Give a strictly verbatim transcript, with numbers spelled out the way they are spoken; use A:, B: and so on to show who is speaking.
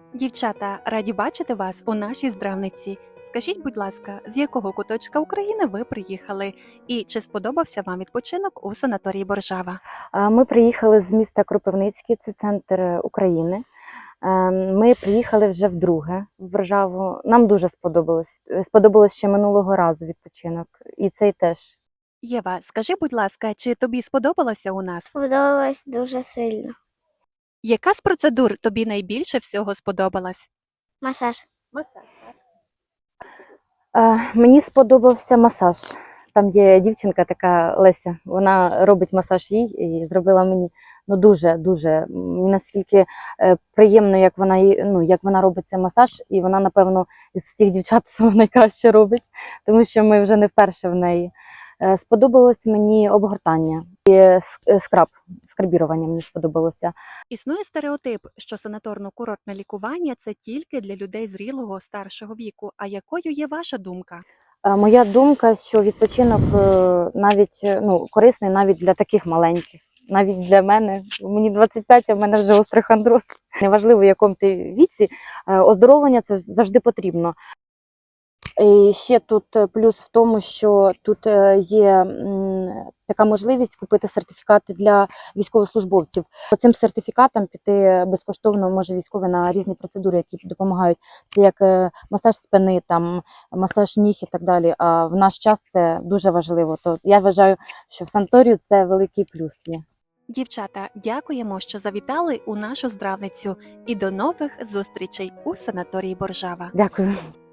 A: Дівчата, раді бачити вас у нашій здравниці. Скажіть, будь ласка, з якого куточка України ви приїхали? І чи сподобався вам відпочинок у санаторії Боржава?
B: А, Ми приїхали з міста Кропивницький, це центр України. Е, Ми приїхали вже вдруге в Боржаву. Нам дуже сподобалось. Сподобалось ще минулого разу відпочинок. І цей теж.
A: Єва, скажи, будь ласка, чи тобі сподобалося у нас?
C: Сподобалось дуже сильно.
A: Яка з процедур тобі найбільше всього сподобалась?
C: Масаж.
B: Е, Мені сподобався масаж. Там є дівчинка така Леся, вона робить масаж їй і зробила мені ну дуже-дуже наскільки е, приємно, як вона їй- ну, як вона робить цей масаж, і вона, напевно, із всіх дівчат саме найкраще робить, тому що ми вже не вперше в неї. Е, Сподобалось мені обгортання і ск- е, скраб, скрабірування мені сподобалося.
A: Існує стереотип, що санаторно-курортне лікування – це тільки для людей зрілого старшого віку. А якою є ваша думка?
B: Е, Моя думка, що відпочинок е, навіть е, ну, корисний навіть для таких маленьких. Навіть для мене, мені двадцять п'ять, а в мене вже остеохондроз. Неважливо, в якому ти віці, е, оздоровлення це ж завжди потрібно. І ще тут е, плюс в тому, що тут е, є м, така можливість купити сертифікати для військовослужбовців. По цим сертифікатам піти безкоштовно може військовий на різні процедури, які допомагають. Це як е, масаж спини, там, масаж ніг і так далі. А в наш час це дуже важливо. То я вважаю, що в санаторію це великий плюс є.
A: Дівчата, дякуємо, що завітали у нашу здравницю. І до нових зустрічей у санаторії Боржава.
B: Дякую.